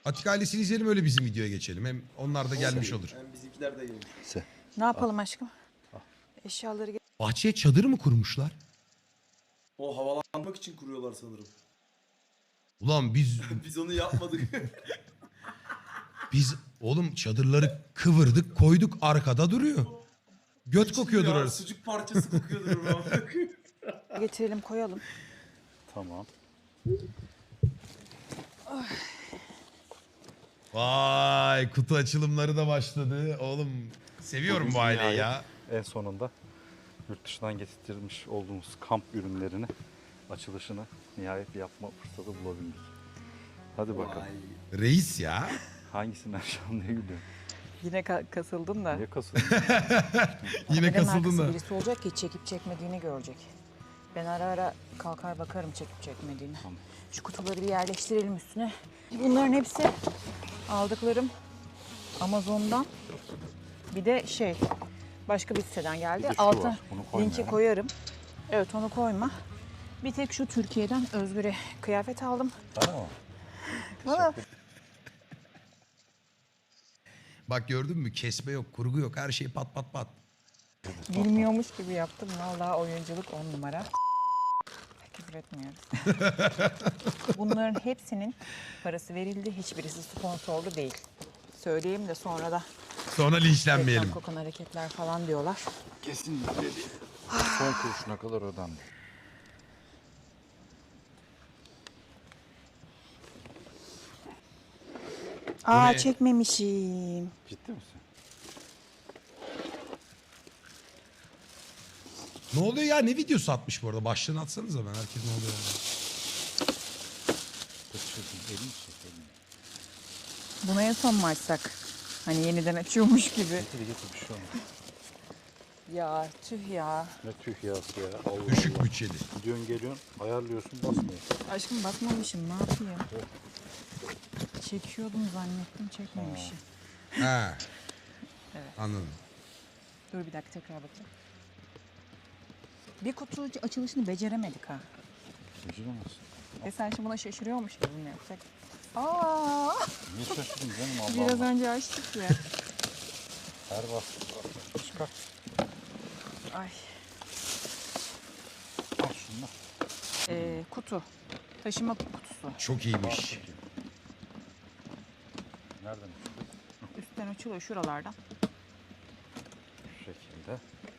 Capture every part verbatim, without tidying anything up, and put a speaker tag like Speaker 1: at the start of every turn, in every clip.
Speaker 1: Atik ailesini izleyelim, öyle bizim videoya geçelim. Hem onlar da gelmiş olur.
Speaker 2: Hem bizimkiler de gelmiş.
Speaker 3: Ne yapalım aşkım? Eşyaları ge-
Speaker 1: Bahçeye çadır mı kurmuşlar?
Speaker 2: O havalanmak için kuruyorlar sanırım.
Speaker 1: Ulan biz
Speaker 2: Biz onu yapmadık.
Speaker 1: biz oğlum çadırları kıvırdık koyduk, arkada duruyor. Göt kokuyordur
Speaker 2: Ya,
Speaker 1: orası.
Speaker 2: Sucuk parçası kokuyordur orada.
Speaker 3: getirelim koyalım.
Speaker 4: Tamam.
Speaker 1: Vay, kutu açılımları da başladı. Oğlum seviyorum
Speaker 4: Bugün
Speaker 1: bu aileyi
Speaker 4: nihayet
Speaker 1: ya.
Speaker 4: En sonunda yurt dışından getirtilmiş olduğumuz kamp ürünlerini açılışını nihayet yapma fırsatı bulabildik. Hadi bakalım.
Speaker 2: Vay.
Speaker 1: Reis ya.
Speaker 4: Hangisinden şu an ne gülüyorsun?
Speaker 3: Yine ka- kasıldın da.
Speaker 4: Niye kasıyorsun?
Speaker 1: Yine
Speaker 3: Kameranın
Speaker 1: kasıldın
Speaker 3: arkası
Speaker 1: da.
Speaker 3: birisi olacak ki çekip çekmediğini görecek. Ben ara ara kalkar bakarım çekip çekmediğini.
Speaker 4: Tamam.
Speaker 3: Şu kutuları bir yerleştirelim üstüne. Bunların hepsi aldıklarım Amazon'dan. Bir de şey başka bir siteden geldi.
Speaker 4: Bir de şu
Speaker 3: Altına
Speaker 4: var, onu koyma
Speaker 3: linki
Speaker 4: ya.
Speaker 3: koyarım. Evet, onu koyma. Bir tek şu Türkiye'den Özgür'e kıyafet aldım.
Speaker 4: Tamam.
Speaker 3: Valla
Speaker 1: Bak gördün mü, kesme yok, kurgu yok, her şey pat pat pat.
Speaker 3: bilmiyormuş gibi yaptım. Vallahi oyunculuk on numara. Küfür etmiyoruz. Bunların hepsinin parası verildi. Hiçbirisi sponsorlu değil. Söyleyeyim de sonra da
Speaker 1: Sonra linçlenmeyelim.
Speaker 3: reklam kokan hareketler falan diyorlar.
Speaker 4: Kesinlikle değil. Son kuruşuna kadar ödendi.
Speaker 3: Aa
Speaker 1: ne?
Speaker 3: çekmemişim.
Speaker 4: Ciddi misin?
Speaker 1: Ne oluyor ya, ne videosu atmış bu arada? Başlığını atsanıza, ben herkes ne oluyor yani.
Speaker 4: Kaçırdın. Elini çek elini.
Speaker 3: Buna en son mu açsak? Hani yeniden açıyormuş gibi.
Speaker 4: Getir getir bir şey olmaz.
Speaker 3: Ya tüh ya.
Speaker 4: Ne tüh yası ya. Allah
Speaker 1: Düşük
Speaker 4: Allah.
Speaker 1: bütçeli.
Speaker 4: Gidiyorsun geliyorsun ayarlıyorsun basmıyor.
Speaker 3: Aşkım basmamışım, ne yapayım? Çekiyordum zannettim, çekmemişim.
Speaker 1: Ha. Anladım.
Speaker 3: Dur bir dakika, tekrar bakayım. Bir kutu açılışını beceremedik ha.
Speaker 4: Beceremezsin.
Speaker 3: E sen şimdi buna şaşırıyormuş gibi mi yapacak? Aa,
Speaker 4: Niye şaşırdın canım Allah
Speaker 3: biraz
Speaker 4: Allah.
Speaker 3: önce açtık ya.
Speaker 4: Her bastı. Çıkar.
Speaker 3: Ay.
Speaker 4: Al şunu.
Speaker 3: Ee, kutu. Taşıma kutusu.
Speaker 1: Çok iyiymiş.
Speaker 4: Nereden çıktı?
Speaker 3: Üstten açılıyor şuralardan.
Speaker 4: Şu şekilde.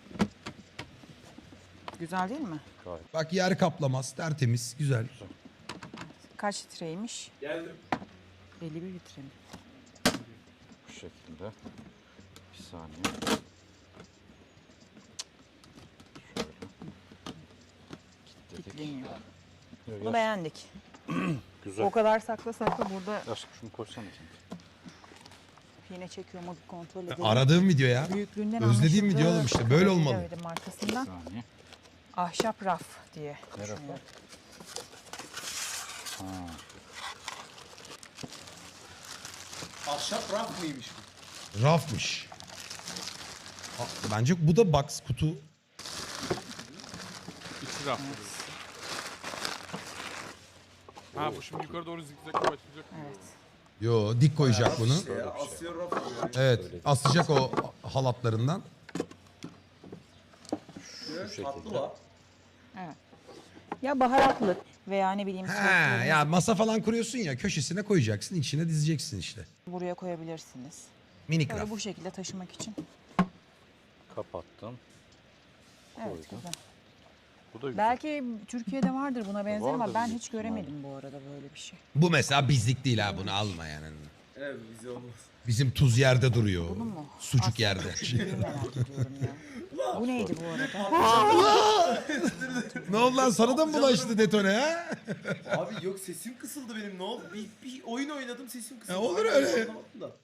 Speaker 3: Güzel değil mi?
Speaker 4: Gayet
Speaker 1: Bak, yer kaplamaz, tertemiz, güzel.
Speaker 3: Kaç litreymiş?
Speaker 2: Geldim.
Speaker 3: elli bir litre mi?
Speaker 4: bu şekilde. Bir saniye. Şöyle. Kilitledik.
Speaker 3: Kilitleniyor.
Speaker 4: Yok,
Speaker 3: Bunu
Speaker 4: yaş-
Speaker 3: beğendik.
Speaker 4: Güzel.
Speaker 3: O kadar sakla sakla burada
Speaker 4: Aşkım şunu koysana sen.
Speaker 3: yine çekiyor mu bir kontrol
Speaker 1: Ben
Speaker 3: edelim.
Speaker 1: aradığım video ya.
Speaker 3: Büyüklüğünden
Speaker 1: Özlediğim
Speaker 3: anlaşıldı.
Speaker 1: video oğlum işte, böyle
Speaker 3: Kabarıyla
Speaker 1: olmalı.
Speaker 3: öyle markasından.
Speaker 4: Bir saniye.
Speaker 3: Ahşap raf diye.
Speaker 4: Ne rafı?
Speaker 3: düşünüyorum.
Speaker 4: Ha.
Speaker 2: Ahşap raf mıymış bu?
Speaker 1: Rafmış. Ha, bence bu da box kutu.
Speaker 5: İçi raf. Ha bu şimdi yukarı doğru zikzakla başlayacak.
Speaker 3: Evet.
Speaker 1: Yo, dik koyacak bunu.
Speaker 2: İşte ya, Asya raf yani.
Speaker 1: Evet, asacak o halatlarından.
Speaker 2: Şu tatlı var.
Speaker 3: Evet. Ya baharatlı veya ne bileyim
Speaker 1: Ha,
Speaker 3: soslarınızı
Speaker 1: ya masa falan kuruyorsun ya, köşesine koyacaksın, içine dizeceksin işte.
Speaker 3: buraya koyabilirsiniz.
Speaker 1: Minik
Speaker 3: Böyle
Speaker 1: raf.
Speaker 3: bu şekilde taşımak için.
Speaker 4: Kapattım.
Speaker 3: Evet,
Speaker 4: Koydum.
Speaker 3: güzel.
Speaker 4: Bu da güzel.
Speaker 3: Belki Türkiye'de vardır buna benzer ama
Speaker 4: Vardır
Speaker 3: ben
Speaker 4: büyük
Speaker 3: hiç
Speaker 4: ihtimalle.
Speaker 3: göremedim bu arada böyle bir şey.
Speaker 1: Bu mesela bizlik değil ha, bunu alma yani.
Speaker 2: Evet bize olmaz.
Speaker 1: Bizim tuz yerde duruyor.
Speaker 3: Bunu mu?
Speaker 1: Sucuk
Speaker 3: Aslında
Speaker 1: yerde.
Speaker 3: çok iyi, merak ediyorum ya. Bu neydi bu arada?
Speaker 1: Ne oldu lan, sana da mı bulaştı detone ha?
Speaker 2: Abi yok, sesim kısıldı benim, ne oldu? Bir, bir oyun oynadım, sesim kısıldı.
Speaker 1: Ya olur
Speaker 2: Aynen,
Speaker 1: öyle.
Speaker 2: anlamadım da.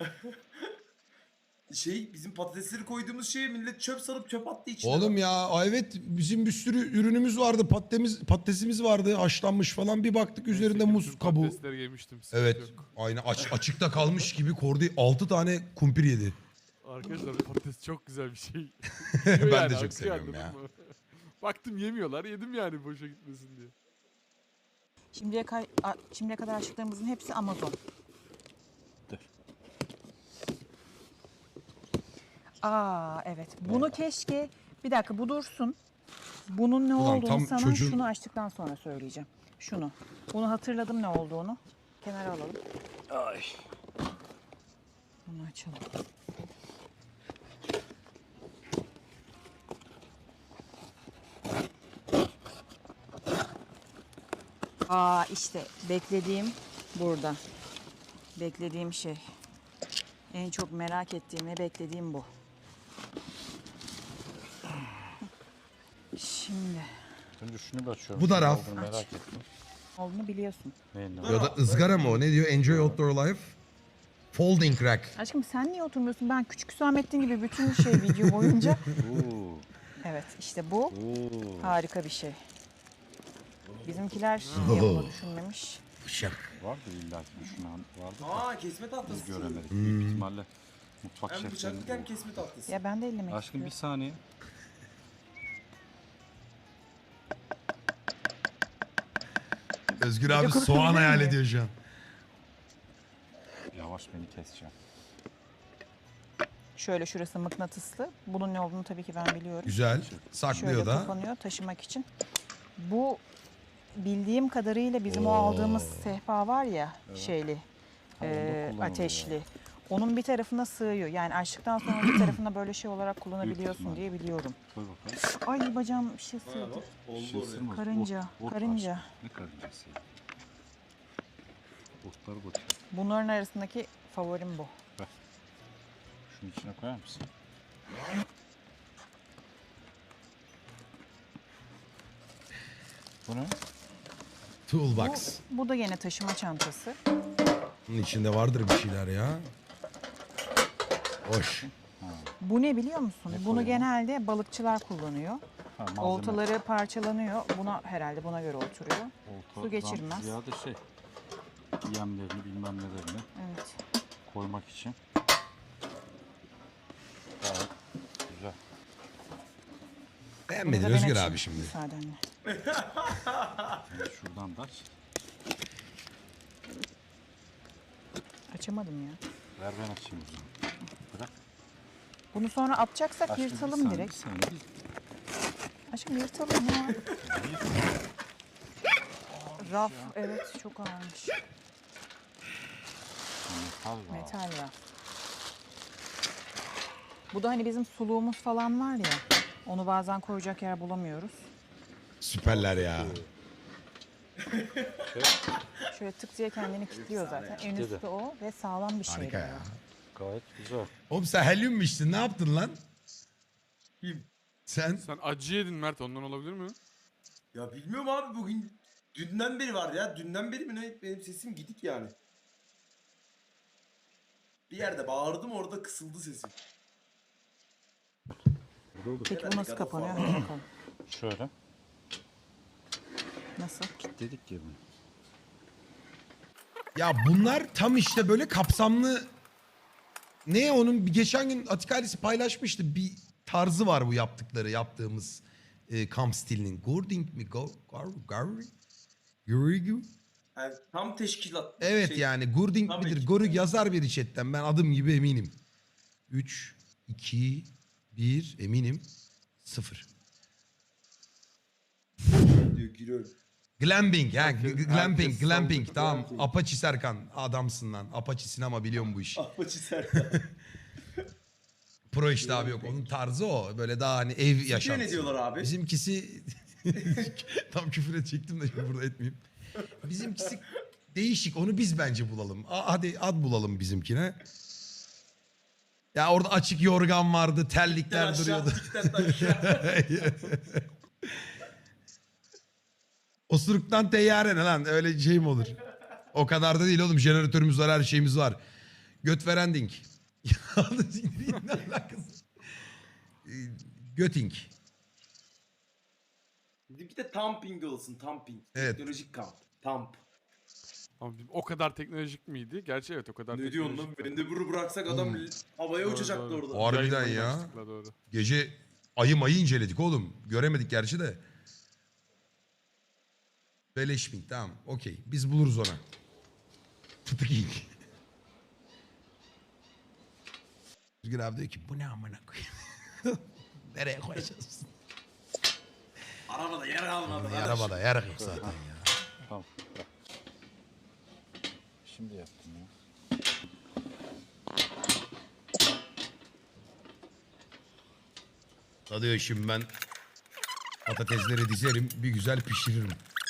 Speaker 2: Şey, bizim patatesleri koyduğumuz şeye millet çöp sarıp çöp attı içine.
Speaker 1: Oğlum ya, evet, bizim bir sürü ürünümüz vardı. Patatesimiz, patatesimiz vardı, haşlanmış falan. Bir baktık üzerinde muz kabuğu.
Speaker 5: Patatesleri yemiştim. sıkıntı
Speaker 1: Evet,
Speaker 5: yok.
Speaker 1: aynı aç, açıkta kalmış gibi Kordi altı tane kumpir yedi.
Speaker 5: Arkadaşlar patates çok güzel bir şey.
Speaker 1: Ben de çok
Speaker 5: akıyor,
Speaker 1: seviyorum
Speaker 5: anladın
Speaker 1: ya.
Speaker 5: mı? Baktım yemiyorlar, yedim yani boşa gitmesin diye.
Speaker 3: Şimdiye, kay- a- şimdiye kadar açtıklarımızın hepsi Amazon. Aa evet. Bunu keşke bir dakika bu dursun. Bunun ne
Speaker 1: Ulan
Speaker 3: olduğunu
Speaker 1: tam
Speaker 3: sana
Speaker 1: çocuğun-
Speaker 3: şunu açtıktan sonra söyleyeceğim. Şunu. Bunu hatırladım ne olduğunu. Kenara alalım. Ay. Bunu açalım. Aa işte beklediğim burada. Beklediğim şey. En çok merak ettiğim ve beklediğim bu. Şimdi
Speaker 4: Önce şunu bir açıyorum.
Speaker 1: Bu da
Speaker 4: Ne
Speaker 1: raf.
Speaker 4: olduğunu merak ettim.
Speaker 3: olduğunu biliyorsun.
Speaker 4: Neyin ne?
Speaker 1: Ya da ızgara mı o? Ne diyor? Enjoy outdoor life. Folding rack.
Speaker 3: Aşkım sen niye oturmuyorsun? Ben küçük Hüsamettin gibi bütün şey video boyunca.
Speaker 4: Oo.
Speaker 3: Evet işte bu
Speaker 4: Oo.
Speaker 3: harika bir şey. Bizimkiler niye bunu düşünmemiş?
Speaker 1: Şak.
Speaker 4: Vardı illa ki düşünen vardı da
Speaker 2: Aa kesme tahtası.
Speaker 4: biz göremedik.
Speaker 1: Hmm.
Speaker 4: Büyük ihtimalle mutfak
Speaker 2: Hem bıçaklık hem
Speaker 4: şeflerinin.
Speaker 2: kesme tahtası.
Speaker 3: Ya ben de ellemek
Speaker 4: Aşkım bir
Speaker 3: istiyorum.
Speaker 4: saniye.
Speaker 1: Özgür abi
Speaker 3: kurtulacak
Speaker 1: soğan hayal
Speaker 3: mı?
Speaker 1: ediyor şu an.
Speaker 4: Yavaş beni keseceğim.
Speaker 3: Şöyle şurası mıknatıslı. Bunun ne olduğunu tabii ki ben biliyorum.
Speaker 1: Güzel.
Speaker 3: Şöyle
Speaker 1: Saklıyor da.
Speaker 3: kapanıyor taşımak için. Bu bildiğim kadarıyla bizim o aldığımız sehpa var ya şeyli,
Speaker 4: Ha, onda
Speaker 3: e,
Speaker 4: kullanılıyor
Speaker 3: ateşli. Onun bir tarafına sığıyor. Yani açtıktan sonra bir tarafına böyle şey olarak kullanabiliyorsun
Speaker 4: ihtimal.
Speaker 3: diye biliyorum.
Speaker 4: Koy bakalım.
Speaker 3: Ay bacağım bir şey
Speaker 2: Ha,
Speaker 3: sığdı.
Speaker 2: bak, oldu
Speaker 4: Şey
Speaker 2: oraya.
Speaker 4: ısırmaz.
Speaker 3: Karınca,
Speaker 4: Ot- ot
Speaker 3: karınca.
Speaker 4: var. Ne karıncası ya? Otlar batıyor.
Speaker 3: Bunların arasındaki favorim bu.
Speaker 4: Şunun içine koyar mısın? Bu ne?
Speaker 1: Toolbox.
Speaker 3: Bu, bu da yine taşıma çantası.
Speaker 1: Bunun içinde vardır bir şeyler ya. Hoş.
Speaker 3: Bu ne biliyor musun?
Speaker 4: Ne
Speaker 3: Bunu
Speaker 4: koyuyor?
Speaker 3: genelde balıkçılar kullanıyor.
Speaker 4: Ha, malzeme.
Speaker 3: Oltaları parçalanıyor. Buna herhalde buna göre oturuyor.
Speaker 4: Oltadan
Speaker 3: su geçirmez.
Speaker 4: Ziyade şey. Yemlerini bilmem nelerini
Speaker 3: Evet.
Speaker 4: koymak için. Gayet güzel.
Speaker 1: Beğenmedin
Speaker 3: Bunu da ben
Speaker 1: Özgür
Speaker 3: açayım,
Speaker 1: abi şimdi.
Speaker 3: müsaadenle.
Speaker 4: Şimdi şuradan da aç.
Speaker 3: Açamadım ya.
Speaker 4: Ver ben açayım o zaman. Bırak.
Speaker 3: Bunu sonra atacaksak
Speaker 4: Aşkım, bir
Speaker 3: yırtalım
Speaker 4: saniye,
Speaker 3: direkt.
Speaker 4: bir saniye, bir-
Speaker 3: Aşkım yırtalım ya. Raf evet çok ağırmış.
Speaker 4: Metal var.
Speaker 3: Metal raf. Bu da hani bizim suluğumuz falan var ya. Onu bazen koyacak yer bulamıyoruz.
Speaker 1: Süperler ya.
Speaker 3: Şöyle tık diye kendini kilitliyor zaten. En üstü o ve sağlam bir şey.
Speaker 1: Harika ya.
Speaker 4: Gayet güzel.
Speaker 1: Oğlum sen helyum mu içtin? Ne yaptın lan?
Speaker 2: Kim?
Speaker 1: Sen
Speaker 5: Sen acı yedin Mert, ondan olabilir mi?
Speaker 2: Ya bilmiyorum abi, bugün dünden beri var ya. Dünden beri mi ne? Benim sesim gidik yani. Bir yerde bağırdım, orada kısıldı sesim.
Speaker 3: Peki bu
Speaker 2: Herhalde
Speaker 3: nasıl
Speaker 2: God of
Speaker 3: kapanıyor?
Speaker 2: War.
Speaker 3: Hadi bakalım.
Speaker 4: Şöyle.
Speaker 3: Nasıl?
Speaker 4: Dedik ya bunu.
Speaker 1: ya bunlar tam işte böyle kapsamlı. Ne onun bir geçen gün Atik ailesi paylaşmıştı. Bir tarzı var bu yaptıkları yaptığımız e, kamp stilinin. Gording mi? Go, gar, gar, Gurigu?
Speaker 2: Yani tam teşkilat.
Speaker 1: Evet
Speaker 2: şey,
Speaker 1: yani Gurding
Speaker 2: tam
Speaker 1: midir?
Speaker 2: ekip
Speaker 1: Gorig
Speaker 2: yani.
Speaker 1: yazar bir chatten. Ben adım gibi eminim. üç, iki, bir eminim. sıfır.
Speaker 2: diyor, giriyorum.
Speaker 1: Glamping. Ha,
Speaker 5: Herkes-
Speaker 1: g- glamping,
Speaker 5: herkes
Speaker 1: glamping.
Speaker 5: saldı.
Speaker 1: Tamam.
Speaker 2: Glamping.
Speaker 1: Apache Serkan. Adamsın lan. Apache'sin ama biliyorum bu işi.
Speaker 2: Ahmet Serkan.
Speaker 1: Pro işte abi yok. Onun tarzı o. Böyle daha hani ev
Speaker 2: Size
Speaker 1: yaşantısı.
Speaker 2: ne diyorlar abi?
Speaker 1: Bizimkisi... Tam küfür edecektim de şimdi burada etmeyeyim. Bizimkisi değişik. Onu biz bence bulalım. A- hadi ad bulalım bizimkine. Ya orada açık yorgan vardı. Terlikler
Speaker 2: Aşağı,
Speaker 1: duruyordu.
Speaker 2: dikten aşağı.
Speaker 1: Osuruktan teyyare ne lan? Öyle şey mi olur? O kadar da değil oğlum. Jeneratörümüz var, her şeyimiz var. Göt veren dink. Ne alakası? Ee, Göting.
Speaker 2: Bir de tamping olsun, tamping.
Speaker 1: Evet.
Speaker 2: Teknolojik kamp. Tamp.
Speaker 5: Ama o kadar teknolojik miydi? Gerçi evet o kadar
Speaker 2: Ne diyorsun lan?
Speaker 5: teknolojik.
Speaker 2: Bendeburu bıraksak adam havaya
Speaker 5: Doğru,
Speaker 2: uçacaktı
Speaker 5: doğru.
Speaker 2: orada.
Speaker 1: Harbiden
Speaker 5: Yayından
Speaker 1: ya.
Speaker 5: yanlışlıkla, doğru.
Speaker 1: Gece ayı mayı inceledik oğlum. Göremedik gerçi de. Beleşmink tamam okey. Biz buluruz ona. Fıtık ilk. Özgür abi diyor ki bu ne amına koyayım. Nereye koyacağız?
Speaker 2: Arabada yer kalmadı. kardeş.
Speaker 1: Arabada yer yok zaten ya.
Speaker 4: Tamam. Bırak. Şimdi yaptım ya.
Speaker 1: Tadıyor şimdi ben patatesleri dizerim bir güzel pişiririm.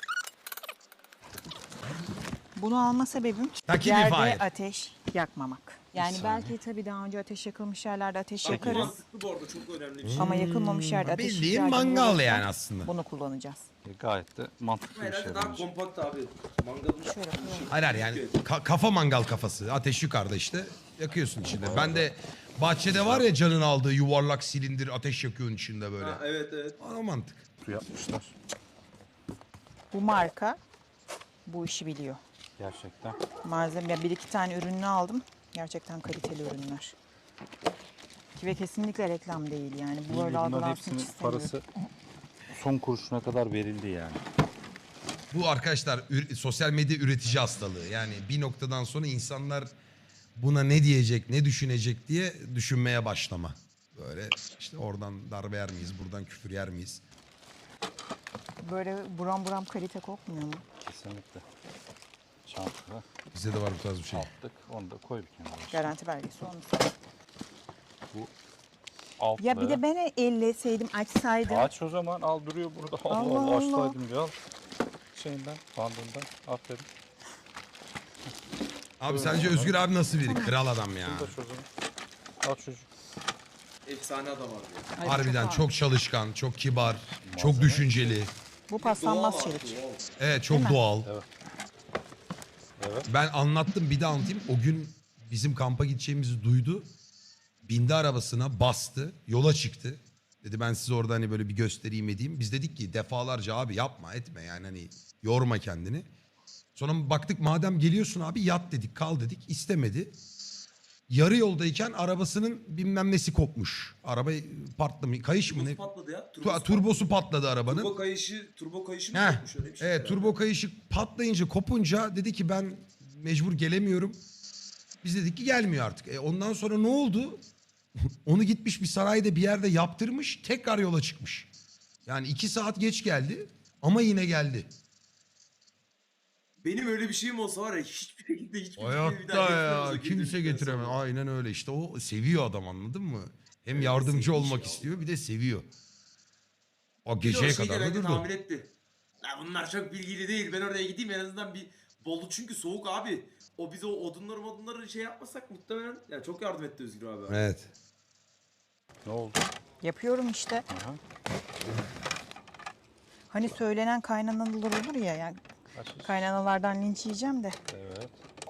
Speaker 3: Bunu alma sebebim
Speaker 1: Taki
Speaker 3: yerde
Speaker 1: bir fire.
Speaker 3: ateş yakmamak. Yani belki tabii daha önce ateş yakılmış yerlerde ateş
Speaker 2: Bak, bu
Speaker 3: yakarız.
Speaker 2: mantıklı bu arada çok önemli bir şey.
Speaker 3: Ama yakılmamış yerde ateş
Speaker 1: Bildiğin
Speaker 3: ihtiyacımız
Speaker 1: mangal
Speaker 3: olursa
Speaker 1: yani aslında.
Speaker 3: Bunu kullanacağız.
Speaker 4: E, gayet de mantıklı bir
Speaker 2: Herhalde
Speaker 4: şey
Speaker 2: daha
Speaker 4: bence.
Speaker 2: kompakt abi. Mangalın
Speaker 3: Şöyle koyalım.
Speaker 1: Hayır hayır yani ka- kafa mangal kafası. Ateş yukarıda işte. Yakıyorsun içinde. Ben de bahçede var ya canın aldığı yuvarlak silindir ateş yakıyorsun içinde böyle.
Speaker 2: Ha, evet evet.
Speaker 1: O mantık.
Speaker 4: Su yapmışlar.
Speaker 3: Bu marka bu işi biliyor.
Speaker 4: Gerçekten.
Speaker 3: Malzeme, ya bir iki tane ürününü aldım. Gerçekten kaliteli ürünler. Ve kesinlikle reklam değil yani. Bu
Speaker 4: İyi,
Speaker 3: böyle
Speaker 4: bunların
Speaker 3: algılansın
Speaker 4: hepsinin
Speaker 3: hiç istemiyorum.
Speaker 4: parası son kuruşuna kadar verildi yani.
Speaker 1: Bu arkadaşlar ür- sosyal medya üretici hastalığı. Yani bir noktadan sonra insanlar buna ne diyecek, ne düşünecek diye düşünmeye başlama. Böyle işte oradan darbe yer miyiz, buradan küfür yer miyiz?
Speaker 3: Böyle buram buram kalite kokmuyor mu?
Speaker 4: Kesinlikle. Çantaya
Speaker 1: Bizde de var bu tarz bir şey.
Speaker 4: attık. Onu da koy bir kenara.
Speaker 3: Garanti belgesi olmuş.
Speaker 4: Altlı.
Speaker 3: Ya bir de ben elleseydim, açsaydım.
Speaker 4: Aç o zaman, al duruyor burada. Allah
Speaker 3: Allah
Speaker 4: Allah,
Speaker 3: Allah.
Speaker 4: açsaydım ya. Al. Şeyinden, bandından. Aferin.
Speaker 1: Abi sence Özgür abi nasıl biri? Kral adam ya.
Speaker 4: Bunu da çözün. Al çocuk.
Speaker 2: Efsane adam abi.
Speaker 3: Ay,
Speaker 1: Harbiden
Speaker 3: ağır.
Speaker 1: çok çalışkan, çok kibar, çok
Speaker 4: Malzeme.
Speaker 1: düşünceli.
Speaker 3: Bu paslanmaz
Speaker 2: Doğal abi,
Speaker 3: çelik.
Speaker 2: doğal.
Speaker 1: Evet çok
Speaker 3: Değil mi?
Speaker 1: doğal.
Speaker 4: Evet.
Speaker 1: Ben anlattım bir de anlatayım. O gün bizim kampa gideceğimizi duydu. Bindi arabasına bastı. Yola çıktı. Dedi ben size orada hani böyle bir göstereyim edeyim. Biz dedik ki defalarca abi yapma etme yani hani yorma kendini. Sonra baktık madem geliyorsun abi yat dedik kal dedik. İstemedi. Yarı yoldayken arabasının bilmem nesi kopmuş. Araba patlamış. Kayış mı ne?
Speaker 2: Turbosu patladı ya.
Speaker 1: Tu-
Speaker 2: Turbosu
Speaker 1: Turbosu patladı arabanın.
Speaker 2: Turbo kayışı, turbo kayışı mı
Speaker 1: Heh,
Speaker 2: kopmuş öyle bir şey?
Speaker 1: evet
Speaker 2: herhalde.
Speaker 1: turbo kayışı patlayınca kopunca dedi ki ben mecbur gelemiyorum. Biz dedik ki gelmiyor artık. E ondan sonra ne oldu? Onu gitmiş bir sarayda bir yerde yaptırmış tekrar yola çıkmış. Yani iki saat geç geldi ama yine geldi.
Speaker 2: Benim öyle bir şeyim olsa var ya hiçbir şekilde hiçbir şekilde bir
Speaker 1: Hayatta
Speaker 2: daha
Speaker 1: ya
Speaker 2: getiremez o
Speaker 1: kimse
Speaker 2: getirdikten
Speaker 1: getiremez.
Speaker 2: sonra.
Speaker 1: Aynen öyle işte o seviyor adam anladın mı? Hem
Speaker 2: Evet,
Speaker 1: yardımcı
Speaker 2: sevmiş
Speaker 1: olmak
Speaker 2: ya.
Speaker 1: istiyor bir de seviyor. O
Speaker 2: Bir de o
Speaker 1: geceye
Speaker 2: şey
Speaker 1: kadar da
Speaker 2: genelde
Speaker 1: durdu.
Speaker 2: tahmin etti. La bunlar çok bilgili değil. Ben oraya gideyim en azından bir Bolu çünkü soğuk abi. O biz o odunları modunları şey yapmasak muhtemelen yani çok yardım etti Özgür abi.
Speaker 1: Evet.
Speaker 4: Ne oldu?
Speaker 3: Yapıyorum işte.
Speaker 4: Aha.
Speaker 3: Hani söylenen kaynanalar olur ya, yani
Speaker 4: Aç, aç.
Speaker 3: kaynanalardan linç yiyeceğim de.
Speaker 4: Evet.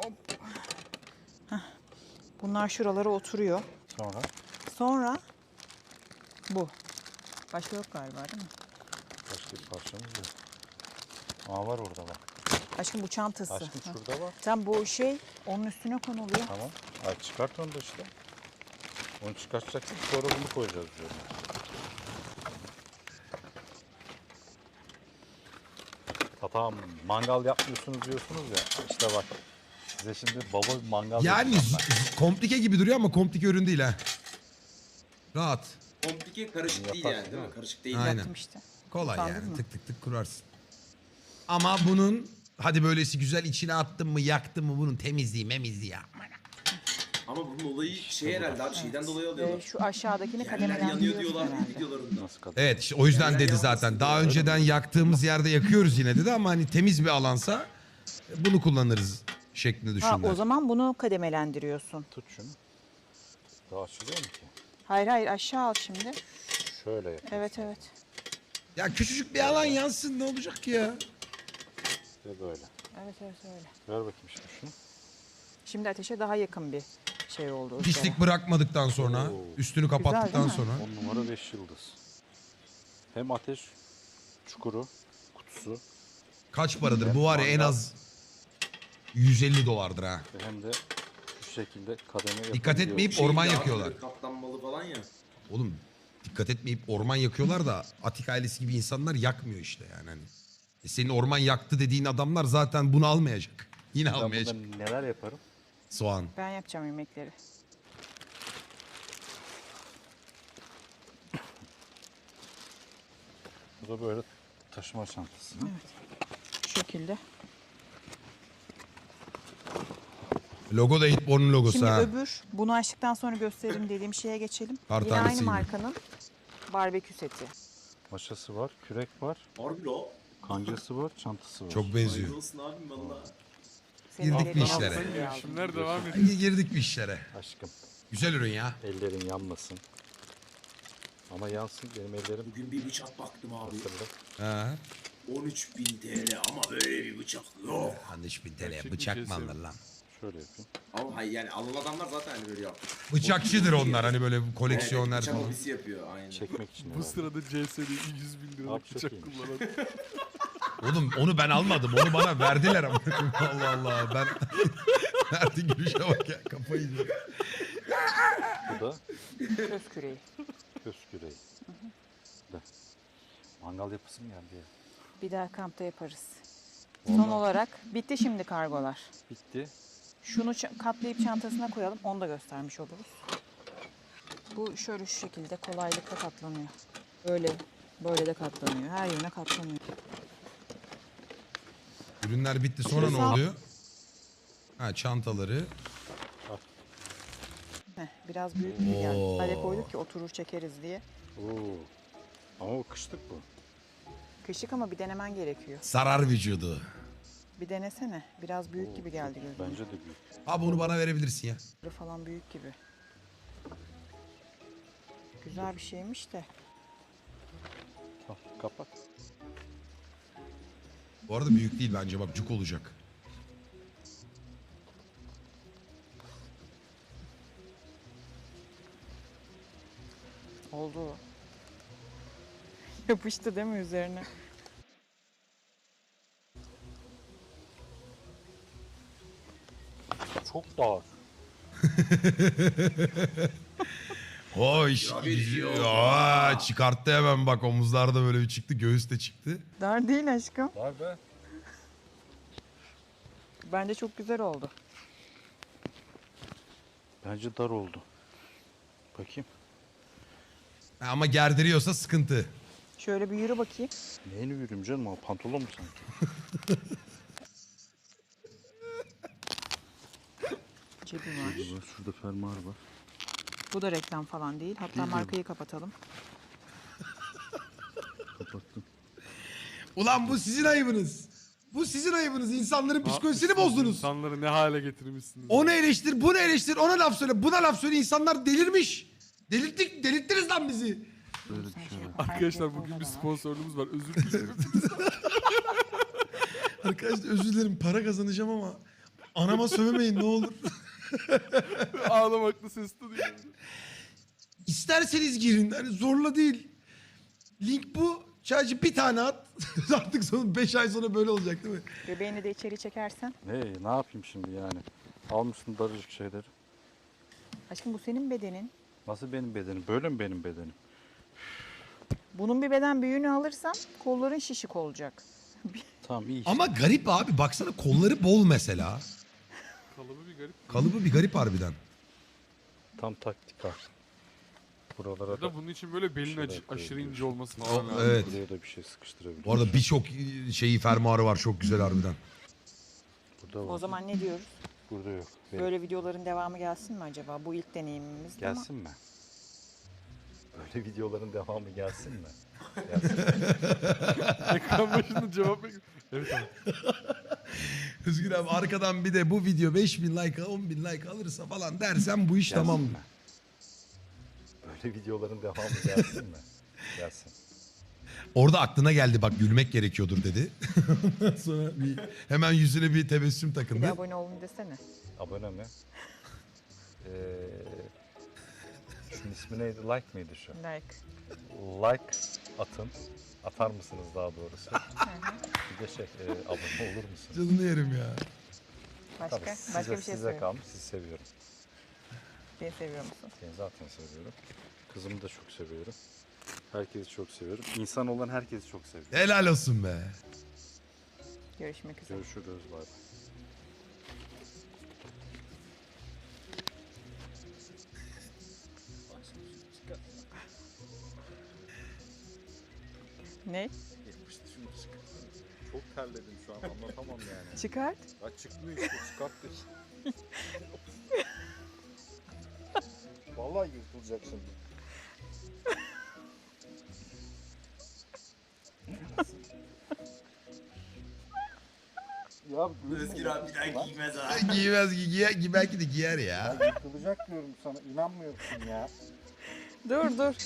Speaker 3: Bunlar şuralara oturuyor.
Speaker 4: Sonra
Speaker 3: Sonra bu. Başka yok galiba değil mi?
Speaker 4: başka bir parçamız yok. Aa var orada bak.
Speaker 3: Aşkım bu çantası.
Speaker 4: Aşkım
Speaker 3: Ha.
Speaker 4: şurada var.
Speaker 3: Tam bu şey onun üstüne konuluyor.
Speaker 4: Tamam. Ay çıkart onu da işte. Onu çıkartacaktık sonra bunu koyacağız diyorum. Tatam mangal yapmıyorsunuz diyorsunuz ya. İşte bak. Size şimdi baba bir mangal
Speaker 1: Yani
Speaker 4: yapacağım
Speaker 1: z- z- komplike gibi duruyor ama komplike ürün değil ha. Rahat.
Speaker 2: Komplike karışık değil
Speaker 4: Yaparsın
Speaker 2: yani değil
Speaker 4: değil
Speaker 2: mi?
Speaker 4: mi?
Speaker 2: Karışık değil.
Speaker 1: Aynen.
Speaker 3: Yaptım işte.
Speaker 1: Kolay
Speaker 3: Utandın
Speaker 1: yani
Speaker 3: mı?
Speaker 1: tık tık tık kurarsın. Ama bunun hadi böylesi güzel içine attın mı yaktın mı bunun temizliği memizliği ya.
Speaker 2: Ama bunun olayı şey herhalde abi şeyden dolayı
Speaker 3: Ve
Speaker 2: alıyorlar.
Speaker 3: şu aşağıdakini
Speaker 2: Yerler yanıyor
Speaker 3: kademelendiriyorsun
Speaker 2: diyorlar
Speaker 3: herhalde.
Speaker 2: videolarında.
Speaker 4: Nasıl kadar?
Speaker 1: Evet işte o yüzden
Speaker 2: Yerler
Speaker 1: dedi
Speaker 2: yanmasın
Speaker 1: zaten. Daha
Speaker 2: diye.
Speaker 1: önceden yaktığımız yerde yakıyoruz yine dedi ama hani temiz bir alansa bunu kullanırız şeklinde
Speaker 3: Ha,
Speaker 1: düşündüler.
Speaker 3: o zaman bunu kademelendiriyorsun.
Speaker 4: Tut şunu. Daha açılıyor mu ki?
Speaker 3: Hayır hayır, aşağı al şimdi.
Speaker 4: Şöyle yap.
Speaker 3: Evet evet.
Speaker 1: Ya küçücük bir alan yansın ne olacak ki ya?
Speaker 4: İşte böyle.
Speaker 3: Evet evet öyle.
Speaker 4: Ver bakayım şimdi şunu.
Speaker 3: Şimdi ateşe daha yakın bir şey oldu.
Speaker 1: Pislik bırakmadıktan sonra,
Speaker 4: Oo.
Speaker 1: üstünü kapattıktan
Speaker 3: değil mi?
Speaker 1: sonra.
Speaker 4: on numara beş yıldız. Hem ateş çukuru, kutusu
Speaker 1: Kaç paradır? Bu var ya en az yüz elli dolardır ha.
Speaker 4: ve hem de şu şekilde kademe
Speaker 1: Dikkat
Speaker 4: yapabiliyor.
Speaker 1: etmeyip
Speaker 2: Şey
Speaker 1: orman
Speaker 2: ya,
Speaker 1: yakıyorlar.
Speaker 2: böyle Katlanmalı falan ya.
Speaker 1: Oğlum dikkat etmeyip orman yakıyorlar da Atik ailesi gibi insanlar yakmıyor işte yani. Hani. E senin orman yaktı dediğin adamlar zaten bunu almayacak. Yine
Speaker 4: Ben
Speaker 1: almayacak.
Speaker 4: bundan neler yaparım?
Speaker 1: Soğan.
Speaker 3: Ben yapacağım yemekleri.
Speaker 4: Bu da böyle taşıma çantası.
Speaker 3: Şu şekilde.
Speaker 1: Logo da Hitborn'un logosu
Speaker 3: Şimdi
Speaker 1: ha.
Speaker 3: öbür bunu açtıktan sonra gösterelim dediğim şeye geçelim.
Speaker 1: Kar
Speaker 3: Yine
Speaker 1: tanesi
Speaker 3: aynı
Speaker 1: gibi.
Speaker 3: markanın barbekü seti.
Speaker 4: Maşası var, kürek var,
Speaker 2: Harbi lo.
Speaker 4: kancası var, çantası var.
Speaker 1: Çok benziyor.
Speaker 2: Hayırlı olsun abim valla.
Speaker 3: Senin
Speaker 1: Girdik
Speaker 3: dediğin
Speaker 1: bir işlere.
Speaker 3: altın diye aldım.
Speaker 5: Girişimler devam ediyor.
Speaker 1: Girdik bir işlere.
Speaker 4: Aşkım,
Speaker 1: Güzel ürün ya.
Speaker 4: ellerin yanmasın. Ama yansın, benim ellerim
Speaker 2: Bugün bir bıçak baktım abi.
Speaker 4: hatırlı.
Speaker 1: Ha.
Speaker 2: on üç bin T L ama böyle bir bıçak yok.
Speaker 1: Hani üç bin T L'ye
Speaker 5: Gerçek
Speaker 1: bıçak
Speaker 5: bir
Speaker 1: mı
Speaker 5: şey
Speaker 1: alır lan?
Speaker 4: Şöyle yapayım.
Speaker 2: Ama hayır yani alan adamlar zaten hani böyle yaptı.
Speaker 1: Bıçakçıdır onlar hani böyle
Speaker 2: Evet,
Speaker 1: koleksiyoner
Speaker 2: bıçak
Speaker 1: falan.
Speaker 2: hobisi yapıyor aynen.
Speaker 4: Çekmek için
Speaker 5: Bu
Speaker 4: herhalde.
Speaker 5: sırada C S'de yüz bin liralık
Speaker 4: Abi çok
Speaker 5: bıçak
Speaker 4: iyiymiş.
Speaker 5: kullanan.
Speaker 1: Oğlum onu ben almadım. Onu bana verdiler ama. Allah Allah. Ben verdi gülüşe bak ya. Kafayı yiyeceğim.
Speaker 4: Bu da
Speaker 3: Köz küreği.
Speaker 4: köz küreği. Da. Mangal yapısı mı geldi ya?
Speaker 3: Bir daha kampta yaparız. Son olarak bitti şimdi kargolar.
Speaker 4: Bitti.
Speaker 3: Şunu ç- katlayıp çantasına koyalım. Onu da göstermiş oluruz. Bu şöyle şu şekilde kolaylıkla katlanıyor. Böyle böyle de katlanıyor. Her yerine katlanıyor.
Speaker 1: Ürünler bitti. Sonra ne
Speaker 3: Sağ-
Speaker 1: oluyor? Ha çantaları.
Speaker 3: Heh, biraz büyük gibi geldi.
Speaker 1: Oo.
Speaker 3: Hale koyduk ki oturur çekeriz diye.
Speaker 4: Oo. Ama o kışlık bu.
Speaker 3: Kışık ama bir denemen gerekiyor.
Speaker 1: Sarar vücudu.
Speaker 3: Bir denesene. Biraz büyük gibi geldi gözüme.
Speaker 4: Bence de büyük.
Speaker 1: Abi onu bana verebilirsin ya.
Speaker 3: Böyle falan büyük gibi. Güzel bir şeymiş de.
Speaker 4: Tamam, kapat.
Speaker 1: Bu arada büyük değil bence bak cuk olacak.
Speaker 3: Oldu. Yapıştı değil mi üzerine?
Speaker 4: Çok dar.
Speaker 1: Hoş. Aa, çıkarttı hemen bak omuzlarda böyle bir çıktı. Göğüs de çıktı.
Speaker 3: Dar değil aşkım.
Speaker 4: Dar be.
Speaker 3: Bence çok güzel oldu.
Speaker 4: Bence dar oldu. Bakayım.
Speaker 1: Ha, ama gerdiriyorsa sıkıntı.
Speaker 3: Şöyle bir yürü bakayım.
Speaker 4: Neyini yürüyeyim canım? O pantolon mu sanki?
Speaker 3: Cebi var.
Speaker 4: Şurada, var, şurada fermuar var.
Speaker 3: Bu da reklam falan değil. Hatta
Speaker 4: Değil,
Speaker 3: markayı kapatalım.
Speaker 4: Kapattım.
Speaker 1: Ulan bu sizin ayıbınız. Bu sizin ayıbınız. İnsanların psikolojisini
Speaker 5: Yapmışsınız,
Speaker 1: bozdunuz.
Speaker 5: İnsanları ne hale getirmişsiniz.
Speaker 1: Onu eleştir, bunu eleştir, ona laf söyle, buna laf söyle. İnsanlar delirmiş. Delirttik, delirttiniz lan bizi.
Speaker 4: Böyle bir şey var.
Speaker 5: Arkadaşlar bugün bir sponsorluğumuz var. Özür dilerim.
Speaker 1: Arkadaşlar özür dilerim para kazanacağım ama anama sövmeyin ne olur.
Speaker 5: Ağlamaklı ses duyuyor.
Speaker 1: İsterseniz girin. Hani zorla değil. Link bu. Sadece bir tane at. Artık son beş ay sonra böyle olacak değil mi?
Speaker 3: Göbeğini de içeri çekersen.
Speaker 4: Ne, ne yapayım şimdi yani? Almışsın daracık şeyleri.
Speaker 3: Aşkım bu senin bedenin.
Speaker 4: Nasıl benim bedenim? Böyle mi benim bedenim?
Speaker 3: Bunun bir beden büyüğünü alırsan kolların şişik olacak.
Speaker 4: Tamam iyi işte.
Speaker 1: Ama garip abi. Baksana kolları bol mesela.
Speaker 5: Kalıbı bir garip.
Speaker 1: Kalıbı bir garip harbiden.
Speaker 4: Tam taktik var. Buralara
Speaker 5: Ya
Speaker 4: da,
Speaker 5: da bunun için böyle belin
Speaker 4: Şöyle
Speaker 5: acı, aşırı
Speaker 4: koyabiliyorsun.
Speaker 5: ince olması
Speaker 1: O-
Speaker 5: falan lazım.
Speaker 1: evet.
Speaker 4: buraya da bir şey sıkıştırabiliyorsun.
Speaker 1: Bu arada birçok şeyi fermuarı var. Çok güzel harbiden.
Speaker 4: Burada var.
Speaker 3: O zaman ne diyoruz?
Speaker 4: Burada yok. Benim-
Speaker 3: Böyle videoların devamı gelsin mi acaba? Bu ilk deneyimimiz ama
Speaker 4: Gelsin mi? Böyle videoların devamı gelsin mi? Gelsin.
Speaker 5: Ekran başında cevap bekliyorum. Evet abi.
Speaker 1: Özgür abi arkadan bir de bu video beş bin like on bin like alırsa falan dersen bu iş
Speaker 4: Gelsin
Speaker 1: tamam.
Speaker 4: mi? Böyle videoların devamı gelsin mi? Gelsin.
Speaker 1: Orada aklına geldi bak gülmek gerekiyordur dedi. Ondan sonra bir, hemen yüzüne bir tebessüm
Speaker 3: bir de
Speaker 1: takındı.
Speaker 3: abone olun desene.
Speaker 4: Abone mi? Ee, şunun ismi neydi? Like mıydı şu?
Speaker 3: Like.
Speaker 4: Like atın. Atar mısınız daha doğrusu? Bir de şey, e, abone olur musunuz?
Speaker 1: Canını yerim ya.
Speaker 3: Başka?
Speaker 4: Tabii size,
Speaker 3: Başka bir şey
Speaker 4: size
Speaker 3: söyle.
Speaker 4: kalmış. Sizi seviyorum.
Speaker 3: Beni seviyor musun?
Speaker 4: Seni zaten seviyorum. Kızımı da çok seviyorum. Herkesi çok seviyorum. İnsan olan herkesi çok seviyorum.
Speaker 1: Helal olsun be.
Speaker 3: Görüşmek üzere.
Speaker 4: Görüşürüz. Bay bay.
Speaker 3: Ne?
Speaker 4: Yapıştı şunu çıkar. Çok terledim şu an anlatamam yani.
Speaker 3: Çıkart.
Speaker 4: Ya çıkmıyor işte çıkarttı. Vallahi yırtılacak şimdi. Ya
Speaker 2: Özgür abi bir daha giymez ha.
Speaker 1: Giymez gi giyer, gi- belki de giyer ya.
Speaker 4: Ya yırtılacak diyorum sana inanmıyorsun ya.
Speaker 3: Dur dur.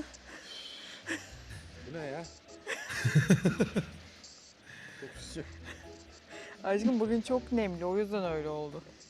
Speaker 4: Bu ne ya? Çok sıcak.
Speaker 3: Aşkım bugün çok nemli o yüzden öyle oldu.